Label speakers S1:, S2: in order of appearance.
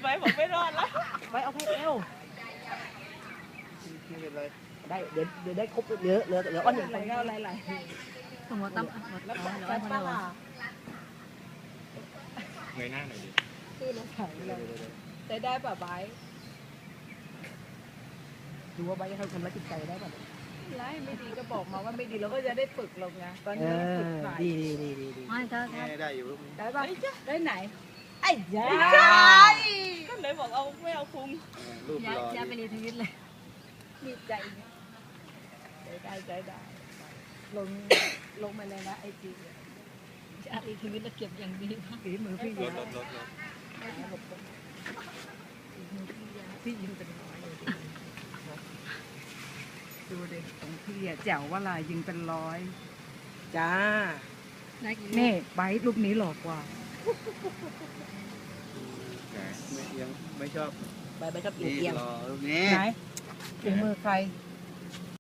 S1: ไปผมไม่รอดแล้ว
S2: ไปเอาให้เอว
S3: ไม่เป็นไร
S2: ได้เดี๋ยวได้ครบเหลืออ้อนหนึ่ง
S1: อะไรก็อะไร
S4: สมมติตั้ม
S1: แล้ว
S4: เอา
S1: แต่
S4: ให้
S1: ปลา
S4: เรา
S5: เงยหน้าหน่อยดิ
S1: คือเราขายเลยได้ป่ะไบ
S2: ดูว่าใบเขาทำร้ายจิตใจได้ป่ะ
S1: ไล่ไม่ดีก็บอกมาว่าไม่ดีเราก็จะได้ฝึกลงไงตอน
S2: เอ
S1: นี้
S2: อ
S1: ฝึกขาย
S2: ดี
S4: ไม่ถ้า
S3: ได้อยู่ลูกนี้
S1: ได้ป่ะได้ไหนไอ้ยาก็เลยบอกเอาไม่เอาคุ้ม
S3: รูป
S4: ย้าย
S3: รอ
S4: ย้ายไปรีทวิตเลย
S1: ดีใจได้ลงมาเลยนะไอจี
S4: ย้ายรีทวิตแล้วเก็บอย่างดีมาก
S2: ฝีมือพี่
S5: ร
S2: ยา
S5: ถ
S2: พี่ยิงเป็นร้อยเลยดูดิของพี่อ่ะแจ๋วว่าลายยิงเป็นร้อยจ้า
S4: ได้กี่
S2: นี่ใบรูปนี้หลอกกว่า
S3: ไม่ยังไม่ชอบ
S2: ใบชอบเอี
S3: นี่
S2: ยง
S3: รอลูกนี้
S2: ไหนฝีมือใคร